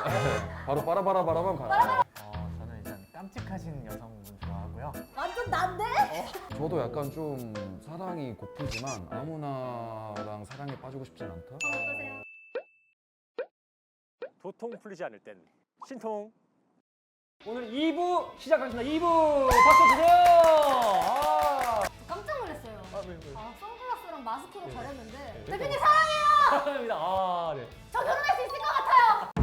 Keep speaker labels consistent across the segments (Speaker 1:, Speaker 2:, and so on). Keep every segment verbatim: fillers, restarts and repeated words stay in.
Speaker 1: 바로 빠라바라바라만 가요.
Speaker 2: 어, 저는 일단 깜찍하신 여성분 좋아하고요.
Speaker 3: 완전 난데?
Speaker 1: 저도 약간 좀 사랑이 고프지만 아무나랑 사랑에 빠지고 싶진 않다.
Speaker 3: 어떠세요?
Speaker 4: 도통 풀리지 않을 땐 신통. 오늘 이 부 시작하겠습니다. 이 부 박수 주세요. 아,
Speaker 3: 깜짝 놀랐어요.
Speaker 4: 아, 왜, 왜?
Speaker 3: 아, 선글라스랑 마스크로
Speaker 4: 네.
Speaker 3: 가렸는데
Speaker 4: 네.
Speaker 3: 대표님 사랑해요!
Speaker 4: 감사합니다. 아, 네.
Speaker 3: 저 결혼할 수 있을 것 같아요!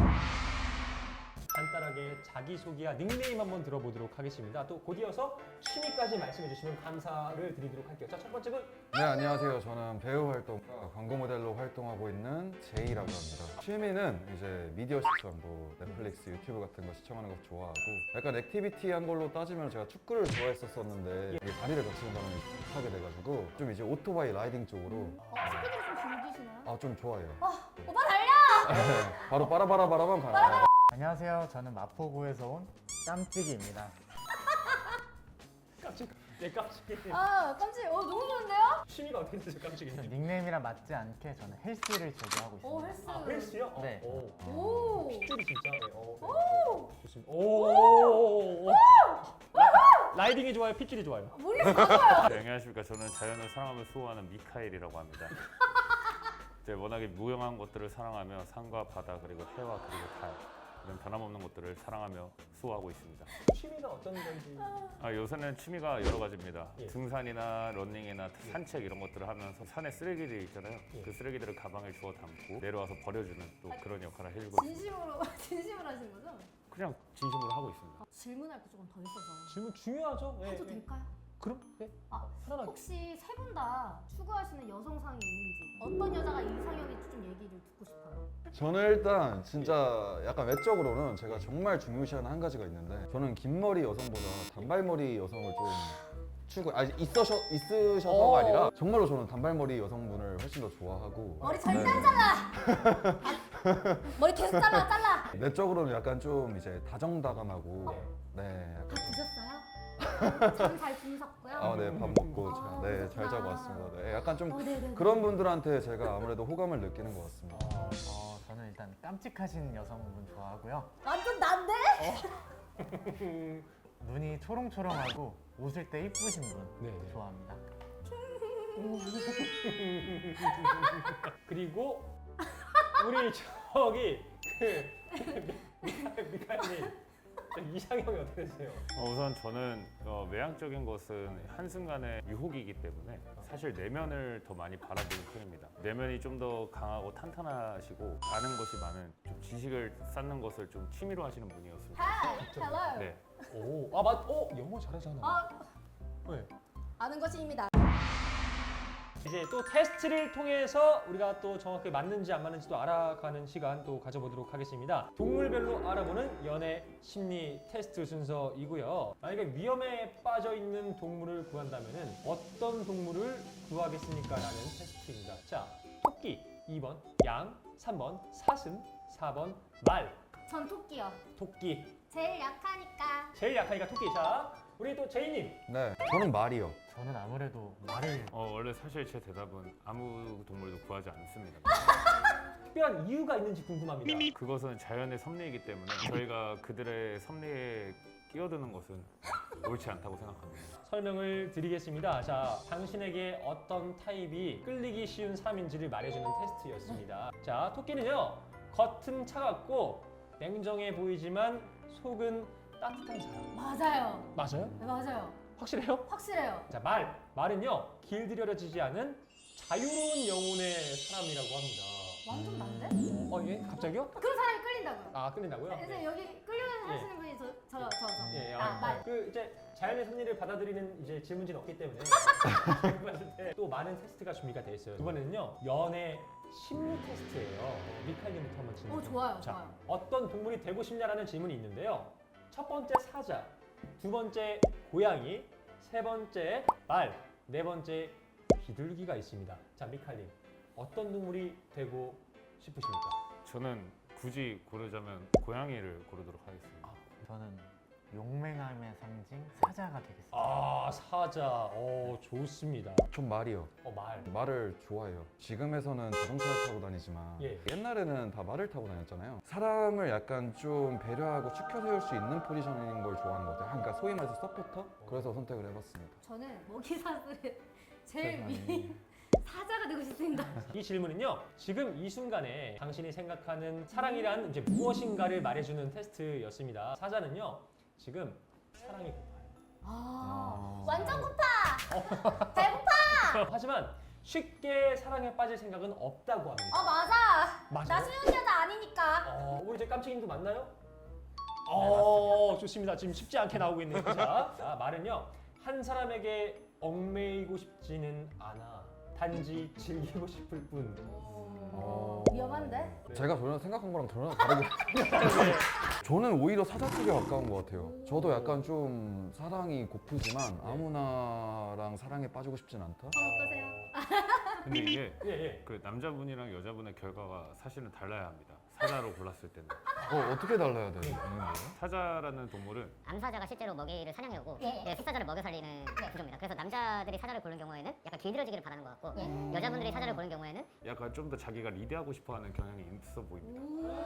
Speaker 4: 간단하게 자기소개와 닉네임 한번 들어보도록 하겠습니다. 또 곧 이어서 취미까지 말씀해 주시면 감사를 드리도록 할게요. 자, 첫 번째 분.
Speaker 1: 네, 안녕하세요. 저는 배우 활동과 광고 모델로 활동하고 있는 제이라고 합니다. 취미는 이제 미디어 시청, 뭐 넷플릭스, 유튜브 같은 거 시청하는 거 좋아하고 약간 액티비티한 걸로 따지면 제가 축구를 좋아했었었는데 이게 다리를 다치는 바람에 하게 돼가지고 좀 이제 오토바이 라이딩 쪽으로
Speaker 3: 어, 스피드를 좀 즐기시나요?
Speaker 1: 아 좀 좋아해요.
Speaker 3: 오빠 달려!
Speaker 1: 네, 바로 빠라바라바라만 가요.
Speaker 2: 안녕하세요. 저는 마포구에서 온 깜찍이입니다.
Speaker 4: 깜찍. 네, 깜찍이.
Speaker 3: 아, 깜찍. 어, 너무 좋은데요?
Speaker 4: 취미가 어떻게 되세요, 깜찍이?
Speaker 2: 닉네임이랑 맞지 않게 저는 헬스를 제조하고 있습니다.
Speaker 3: 오, 헬스.
Speaker 4: 아, 헬스요? 어,
Speaker 2: 네.
Speaker 4: 오.
Speaker 3: 오!
Speaker 4: 핏줄이 진짜. 네, 어, 네. 오! 좋습니다. 오! 오! 오! 라- 라이딩이 좋아요, 핏줄이 좋아요.
Speaker 3: 물이 커져요!
Speaker 5: 네, 안녕하십니까. 저는 자연을 사랑하며 수호하는 미카엘이라고 합니다. 이제 워낙에 무용한 것들을 사랑하며 산과 바다 그리고 해와 그리고 달 이런 변함없는 것들을 사랑하며 수호하고 있습니다.
Speaker 4: 취미가 어떤 건지.
Speaker 5: 아, 요새는 취미가 여러 가지입니다.
Speaker 4: 예.
Speaker 5: 등산이나 러닝이나 산책 이런 것들을 하면서 산에 쓰레기들이 있잖아요.
Speaker 4: 예.
Speaker 5: 그 쓰레기들을 가방에 주워 담고 내려와서 버려주는 또 그런 역할을 해주고 있습니다.
Speaker 3: 진심으로, 진심으로 하신 거죠?
Speaker 5: 그냥 진심으로 하고 있습니다.
Speaker 3: 아, 질문할 게 조금 더 있어서.
Speaker 4: 질문 중요하죠? 네,
Speaker 3: 해도
Speaker 4: 네.
Speaker 3: 될까요?
Speaker 4: 그럼? 네.
Speaker 3: 아,
Speaker 4: 편안하게.
Speaker 3: 혹시 세 분 다 추구하시는 여성상이 있는지, 어떤 여자가 이상형인지 좀 얘기를 듣고 싶어요.
Speaker 1: 저는 일단 진짜 약간 외적으로는 제가 정말 중요시하는 한 가지가 있는데 저는 긴 머리 여성보다 단발머리 여성을 좀 추구 아니 있으셔 있으셔서가
Speaker 4: 어.
Speaker 1: 아니라 정말로 저는 단발머리 여성분을 훨씬 더 좋아하고
Speaker 3: 머리 절대
Speaker 1: 네.
Speaker 3: 안 잘라! 아, 머리 계속 잘라, 잘라!
Speaker 1: 내적으로는 약간 좀 이제 다정다감하고 네
Speaker 3: 다
Speaker 1: 약간
Speaker 3: 드셨어요? 잠 잘 주무셨고요?
Speaker 1: 아네밥 먹고
Speaker 3: 아,
Speaker 1: 네 잘 자고
Speaker 3: 그렇구나.
Speaker 1: 왔습니다. 네, 약간 좀
Speaker 3: 어, 네네네.
Speaker 1: 그런 분들한테 제가 아무래도 호감을 느끼는 것 같습니다.
Speaker 4: 아,
Speaker 2: 어, 저는 일단 깜찍하신 여성분 좋아하고요.
Speaker 3: 완전 난데?
Speaker 2: 눈이 초롱초롱하고 웃을 때 이쁘신 분
Speaker 4: 네, 네.
Speaker 2: 좋아합니다.
Speaker 4: 그리고 우리 저기 그 미카- 미카님 이상형이 어떻게 되세요?
Speaker 5: 어, 우선 저는 어, 외향적인 것은 한순간의 유혹이기 때문에 사실 내면을 더 많이 바라보는 편입니다. 내면이 좀 더 강하고 탄탄하시고 아는 것이 많은 좀 지식을 쌓는 것을 좀 취미로 하시는 분이었으면
Speaker 3: Hi, hello.
Speaker 5: 네.
Speaker 4: 오, 아 맞, 어 영어 잘하잖아.
Speaker 3: 아,
Speaker 4: 네.
Speaker 3: 아는 것입니다.
Speaker 4: 이제 또 테스트를 통해서 우리가 또 정확히 맞는지 안 맞는지도 알아가는 시간 또 가져보도록 하겠습니다. 동물별로 알아보는 연애 심리 테스트 순서이고요. 만약에 위험에 빠져 있는 동물을 구한다면은 어떤 동물을 구하겠습니까? 라는 테스트입니다. 자, 토끼 이 번, 양 삼 번, 사슴 사 번, 말
Speaker 3: 전 토끼요.
Speaker 4: 토끼
Speaker 3: 제일 약하니까.
Speaker 4: 제일 약하니까 토끼. 자, 우리 또 제이님
Speaker 1: 네 저는 말이요.
Speaker 2: 저는 아무래도 말을
Speaker 5: 어, 원래 사실 제 대답은 아무 동물도 구하지 않습니다.
Speaker 4: 특별한 이유가 있는지 궁금합니다.
Speaker 5: 그것은 자연의 섭리이기 때문에 저희가 그들의 섭리에 끼어드는 것은 옳지 않다고 생각합니다.
Speaker 4: 설명을 드리겠습니다. 자, 당신에게 어떤 타입이 끌리기 쉬운 사람인지를 말해주는 테스트였습니다. 자, 토끼는요, 겉은 차갑고 냉정해 보이지만 속은 따뜻한 사람.
Speaker 3: 맞아요.
Speaker 4: 맞아요?
Speaker 3: 네, 맞아요.
Speaker 4: 확실해요?
Speaker 3: 확실해요.
Speaker 4: 자, 말. 말은요, 길들여지지 않은 자유로운 영혼의 사람이라고 합니다.
Speaker 3: 완전 난데?
Speaker 4: 어, 예? 갑자기요?
Speaker 3: 그런 사람이 끌린다고요.
Speaker 4: 아, 끌린다고요?
Speaker 3: 그래서 여기 끌려 하시는 분이 저, 저, 저, 저.
Speaker 4: 예,
Speaker 3: 아, 말.
Speaker 4: 그 이제 자연의 섭리를 받아들이는 이제 질문지는 없기 때문에 봤을 때 또 많은 테스트가 준비가 돼 있어요. 두 번째는요, 연애 심리 테스트예요. 미칼님부터 한번 질문.
Speaker 3: 어, 좋아요,
Speaker 4: 자,
Speaker 3: 좋아요.
Speaker 4: 어떤 동물이 되고 싶냐라는 질문이 있는데요. 첫 번째 사자, 두 번째 고양이, 세 번째 말, 네 번째 비둘기가 있습니다. 자, 미칼님, 어떤 동물이 되고 싶으십니까?
Speaker 5: 저는 굳이 고르자면 고양이를 고르도록 하겠습니다.
Speaker 2: 저는 용맹함의 상징 사자가 되겠습니다.
Speaker 4: 아 사자. 어 좋습니다.
Speaker 1: 전 말이요.
Speaker 4: 어 말.
Speaker 1: 말을 좋아해요. 지금에서는 자동차를 타고 다니지만
Speaker 4: 예.
Speaker 1: 옛날에는 다 말을 타고 다녔잖아요. 사람을 약간 좀 배려하고 추켜 세울 수 있는 포지션인 걸 좋아하는 것 같아요. 그러니까 소위 말해서 서포터? 그래서 선택을 해봤습니다.
Speaker 3: 저는 먹이사슬의 제일
Speaker 2: 세상에.
Speaker 3: 위 사자가 되고 싶습니다.
Speaker 4: 이 질문은요. 지금 이 순간에 당신이 생각하는 사랑이란 이제 무엇인가를 말해주는 테스트였습니다. 사자는요. 지금 사랑이 고파요.
Speaker 3: 아, 완전 고파. 배고파.
Speaker 4: 하지만 쉽게 사랑에 빠질 생각은 없다고 합니다.
Speaker 3: 아 맞아.
Speaker 4: 맞아요?
Speaker 3: 나 수영 여자 아니니까.
Speaker 4: 어, 우리 이제 깜찍이님도 맞나요? 어, 좋습니다. 지금 쉽지 않게 나오고 있네요. 자, 자, 말은요. 한 사람에게 얽매이고 싶지는 않아. 단지 즐기고 싶을 뿐.
Speaker 3: 어, 위험한데?
Speaker 1: 제가 전혀 생각한 거랑 전혀 다르게 저는 오히려 사자 쪽에 가까운 것 같아요. 저도 약간 좀 사랑이 고프지만 아무나랑 사랑에 빠지고 싶진 않다.
Speaker 3: 전 어떠세요?
Speaker 5: 근데 이게
Speaker 4: 예, 예.
Speaker 5: 그 남자분이랑 여자분의 결과가 사실은 달라야 합니다. 사자로 골랐을 때는.
Speaker 1: 어, 어떻게 달라야 돼요? 있는데요?
Speaker 5: 사자라는 동물은
Speaker 6: 암사자가 실제로 먹이를 사냥해 오고
Speaker 3: 예.
Speaker 6: 네, 숫사자를 먹여 살리는 구조입니다. 그래서 남자들이 사자를 고른 경우에는 약간 길들여지기를 바라는 것 같고
Speaker 3: 예.
Speaker 6: 여자분들이 사자를 고른 경우에는
Speaker 5: 약간 좀 더 자기가 리드하고 싶어하는 경향이 있어 보입니다.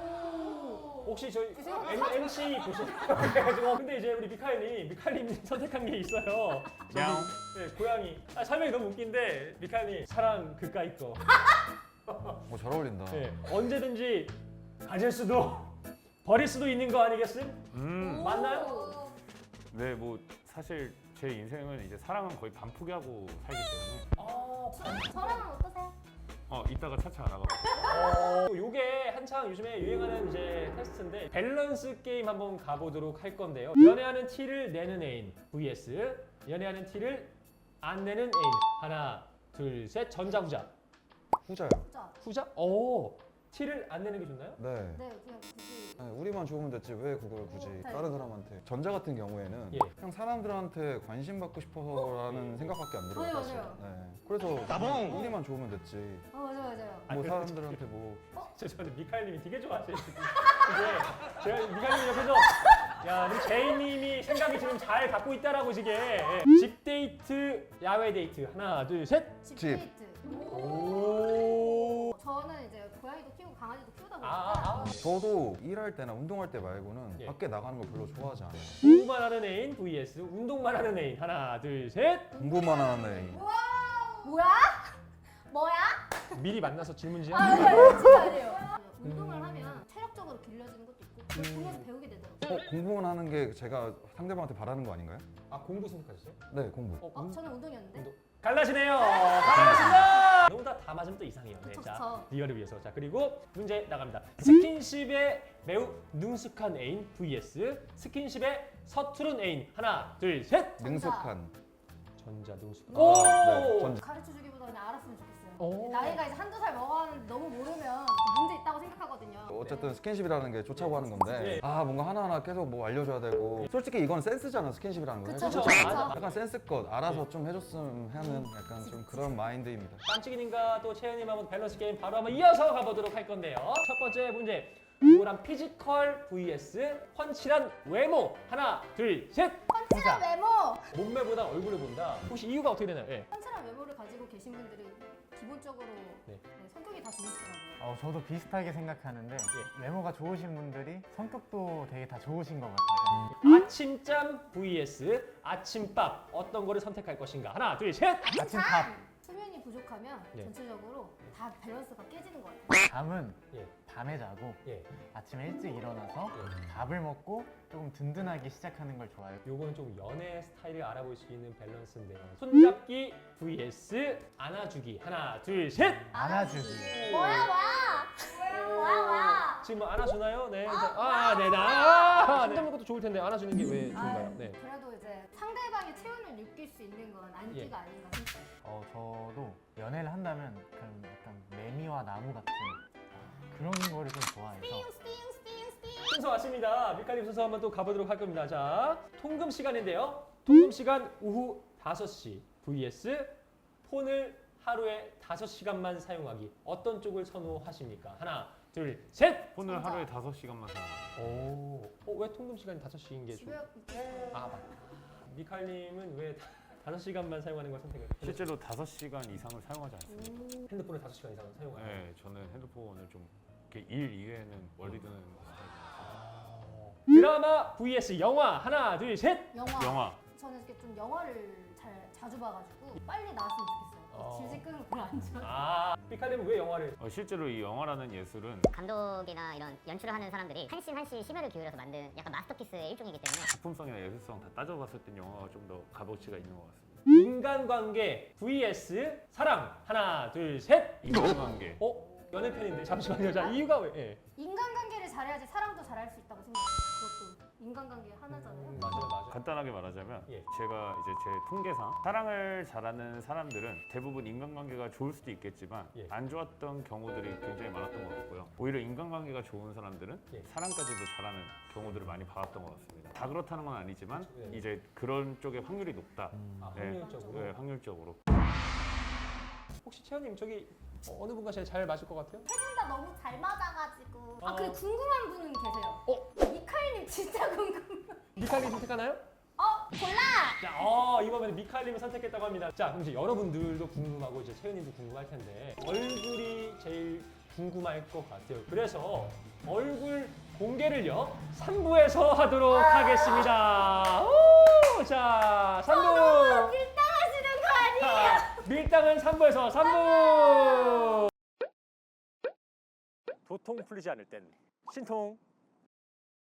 Speaker 4: 혹시 저희
Speaker 3: 죄송합니다.
Speaker 4: M, 엠씨 보시나요? 그래가지고 근데 이제 우리 미카엘님, 미카엘님 선택한 게 있어요. 저기,
Speaker 5: 야옹.
Speaker 4: 네, 고양이. 아, 설명이 너무 웃긴데 미카엘님 사랑 그까이 거.
Speaker 1: 어, 잘 어울린다.
Speaker 4: 네, 언제든지 가질 수도 버릴 수도 있는 거 아니겠음?
Speaker 5: 음,
Speaker 4: 맞나요?
Speaker 5: 네, 뭐 사실 제 인생은 이제 사랑은 거의 반 포기하고 살기 때문에
Speaker 4: 어,
Speaker 3: 저랑은 어떠세요?
Speaker 5: 어 이따가 차차 알아가고.
Speaker 4: 어, 요게 한창 요즘에 유행하는 이제 테스트인데 밸런스 게임 한번 가보도록 할 건데요. 연애하는 티를 내는 애인 vs 연애하는 티를 안 내는 애인. 하나, 둘, 셋. 전자후자.
Speaker 1: 후자요.
Speaker 3: 진짜.
Speaker 4: 후자? 오, 티를 안 내는 게 좋나요?
Speaker 1: 네.
Speaker 3: 네, 그냥 굳이.
Speaker 1: 네, 우리만 좋으면 됐지 왜 그걸 굳이
Speaker 3: 네.
Speaker 1: 다른 사람한테. 전자 같은 경우에는
Speaker 4: 예.
Speaker 1: 그냥 사람들한테 관심 받고 싶어서라는 생각밖에 안 들어요.
Speaker 3: 맞아요,
Speaker 1: 사실.
Speaker 3: 맞아요.
Speaker 1: 네. 그래서 나봉 우리만 좋으면 됐지.
Speaker 3: 어 맞아 맞아요.
Speaker 4: 아,
Speaker 1: 뭐
Speaker 4: 그래,
Speaker 1: 사람들한테 뭐
Speaker 4: 죄송한데 미카엘님이 되게 좋아하세요. 지금. 이게 제가 미카엘님 옆에서 야, 우리 제이님이 생각이 지금 잘 갖고 있다라고 지금. 예. 집 데이트, 야외 데이트. 하나, 둘, 셋.
Speaker 3: 집
Speaker 1: 집.
Speaker 3: 데이트.
Speaker 4: 오.
Speaker 3: 저는 이제 고양이도 키우고 강아지도 키우다 보니까
Speaker 4: 아, 아.
Speaker 1: 저도 일할 때나 운동할 때 말고는
Speaker 4: 예.
Speaker 1: 밖에 나가는 걸 별로 좋아하지 않아요.
Speaker 4: 공부만 하는 애인 vs 운동만 하는 애인. 하나, 둘, 셋.
Speaker 1: 공부만 하는 애인.
Speaker 3: 뭐야? 뭐야?
Speaker 4: 미리 만나서 질문 지어.
Speaker 3: 아, 네, 진짜 아니에요. 운동을 하면 체력적으로 길러지는 것도 있고 그걸 보면서 배우게 되더라고요.
Speaker 1: 어, 공부만 하는 게 제가 상대방한테 바라는 거 아닌가요?
Speaker 4: 아, 공부 선택하셨어요?
Speaker 1: 네, 공부.
Speaker 4: 어,
Speaker 3: 어,
Speaker 4: 운-
Speaker 3: 저는 운동이었는데.
Speaker 4: 운동. 갈라지네요. 갈라졌습니다. 너무 다 다 맞으면 또 이상해요. 네,
Speaker 3: 그쵸,
Speaker 4: 자,
Speaker 3: 그쵸.
Speaker 4: 리얼을 위해서. 자, 그리고 문제 나갑니다. 스킨십에 매우 능숙한 애인 vs 스킨십에 서투른 애인. 하나, 둘, 셋.
Speaker 1: 능숙한.
Speaker 4: 전자 능숙.
Speaker 1: 아,
Speaker 4: 오!
Speaker 1: 네, 전자.
Speaker 3: 가르쳐 주기보다 그냥 알았으면 좋겠어요.
Speaker 4: 오.
Speaker 3: 나이가 이제 한두 살 먹었는데 너무 모르면 문제 있다고 생각하거든요.
Speaker 1: 어쨌든 스킨십이라는 게 좋자고 하는 건데
Speaker 4: 네.
Speaker 1: 아 뭔가 하나하나 계속 뭐 알려줘야 되고 솔직히 이건 센스잖아 스킨십이라는 거.
Speaker 3: 그쵸,
Speaker 4: 그쵸.
Speaker 3: 그쵸.
Speaker 4: 맞아.
Speaker 1: 약간 센스껏 알아서 좀 해줬으면 하는 약간 좀 그런 마인드입니다.
Speaker 4: 깜찍이님과 또 채연님 한번 밸런스 게임 바로 한번 이어서 가보도록 할 건데요. 첫 번째 문제. 우울한 피지컬 vs 펀치란 외모. 하나, 둘, 셋.
Speaker 3: 펀치랑 외모!
Speaker 4: 몸매보다 얼굴을 본다. 혹시 이유가 어떻게 되나요? 예.
Speaker 3: 펀치랑 외모를 가지고 계신 분들은 기본적으로
Speaker 4: 네.
Speaker 3: 네, 성격이 다 좋으시더라고요.
Speaker 2: 어, 저도 비슷하게 생각하는데
Speaker 4: 예.
Speaker 2: 외모가 좋으신 분들이 성격도 되게 다 좋으신 것 같아요.
Speaker 4: 아침잠 vs 아침밥. 어떤 거를 선택할 것인가? 하나, 둘, 셋.
Speaker 2: 아침밥.
Speaker 3: 수면이 부족하면
Speaker 4: 네.
Speaker 3: 전체적으로 다 밸런스가 깨지는 것 같아요.
Speaker 2: 잠은
Speaker 4: 예.
Speaker 2: 밤에 자고
Speaker 4: 예.
Speaker 2: 아침에 일찍 일어나서
Speaker 4: 예.
Speaker 2: 밥을 먹고 조금 든든하게 시작하는 걸 좋아해요.
Speaker 4: 요거는 좀 연애 스타일을 알아볼 수 있는 밸런스인데요. 손잡기 vs 안아주기. 하나, 둘, 셋.
Speaker 2: 안아주기.
Speaker 3: 뭐야 뭐야! 뭐야 뭐야!
Speaker 4: 지금 뭐 안아주나요? 네. 자, 아, 네, 나. 아, 힘든 것도 좋을 텐데 안아주는 게 왜 좋은가요? 네.
Speaker 3: 그래도 이제 상대방의 체온을 느낄 수 있는 건 안기가 아닌가 싶어요.
Speaker 2: 어, 저도 연애를 한다면 그런 약간 매미와 나무 같은 그런 거를 좀 좋아해서
Speaker 3: 스팅 스팅 스팅 스팅!
Speaker 4: 순서 왔습니다. 밀가림 순서 한번 또 가보도록 할 겁니다. 자, 통금 시간인데요. 통금 시간 오후 다섯 시 vs 폰을 하루에 다섯 시간만 사용하기. 어떤 쪽을 선호하십니까? 하나, 둘, 셋.
Speaker 5: 폰을
Speaker 3: 정답.
Speaker 5: 하루에 다섯 시간만 사용해요.
Speaker 4: 오. 어, 왜 통금 시간이 다섯 시인 게 좋?
Speaker 3: 집에 있겠어요.
Speaker 4: 아, 맞다. 미칼님은 왜 다섯 시간만 사용하는 걸 선택을?
Speaker 5: 실제로 다섯 시간 이상을 사용하지 않습니다.
Speaker 3: 음.
Speaker 4: 핸드폰을 다섯 시간 이상 사용하는.
Speaker 5: 네, 저는 핸드폰을 좀 이렇게 일 이외에는 멀리 두는 스타일이라서.
Speaker 4: 드라마 vs 영화 하나, 둘, 셋.
Speaker 3: 영화.
Speaker 5: 영화.
Speaker 3: 저는 이렇게 좀 영화를 잘 자주 봐가지고 빨리 나왔으면 좋겠어요.
Speaker 4: 어.
Speaker 3: 질질 끄는 거 별로 안 좋아.
Speaker 4: 아, 미칼님은 왜 영화를?
Speaker 5: 어, 실제로 이 영화라는 예술은
Speaker 6: 감독이나 이런 연출을 하는 사람들이 한씬 한씬 심혈을 기울여서 만든 약간 마스터피스의 일종이기 때문에
Speaker 5: 작품성이나 예술성 다 따져봤을 땐 영화가 좀 더 값어치가 있는 것 같습니다.
Speaker 4: 인간관계 vs 사랑 하나, 둘, 셋.
Speaker 5: 인간관계.
Speaker 4: 어? 연애 편인데 잠시만요. 자, 이유가 왜? 예.
Speaker 3: 인간관계를 잘해야지 사랑도 잘할 수 있다고 생각해요. 그것도 인간관계 하나잖아요.
Speaker 4: 음, 맞아요, 맞아요.
Speaker 5: 간단하게 말하자면
Speaker 4: 예.
Speaker 5: 제가 이제 제 통계상 사랑을 잘하는 사람들은 대부분 인간관계가 좋을 수도 있겠지만
Speaker 4: 예.
Speaker 5: 안 좋았던 경우들이 굉장히 많았던 것 같고요. 오히려 인간관계가 좋은 사람들은
Speaker 4: 예.
Speaker 5: 사랑까지도 잘하는 경우들을 많이 봐왔던 것 같습니다. 다 그렇다는 건 아니지만
Speaker 4: 그렇죠. 예.
Speaker 5: 이제 그런 쪽의 확률이 높다.
Speaker 4: 아,
Speaker 5: 네.
Speaker 4: 확률적으로.
Speaker 5: 네, 확률적으로.
Speaker 4: 혹시 채연님 저기 어느 분과 제일 잘 맞을 것 같아요?
Speaker 3: 둘 다 너무 잘 맞아가지고. 아
Speaker 4: 어.
Speaker 3: 그리고 궁금한 분은 계세요.
Speaker 4: 어?
Speaker 3: 미카엘님 진짜 궁금.
Speaker 4: 미칼님 선택하나요?
Speaker 3: 어 골라.
Speaker 4: 자, 어, 이번에 미칼님을 선택했다고 합니다. 자, 그럼 이제 여러분들도 궁금하고 이제 채연님도 궁금할 텐데 얼굴이 제일 궁금할 것 같아요. 그래서 얼굴 공개를요 삼 부에서 하도록 하겠습니다. 오, 자, 삼 부.
Speaker 3: 밀당하시는 거 아니에요?
Speaker 4: 자, 밀당은 삼 부에서 삼 부. 도통 풀리지 않을 땐 신통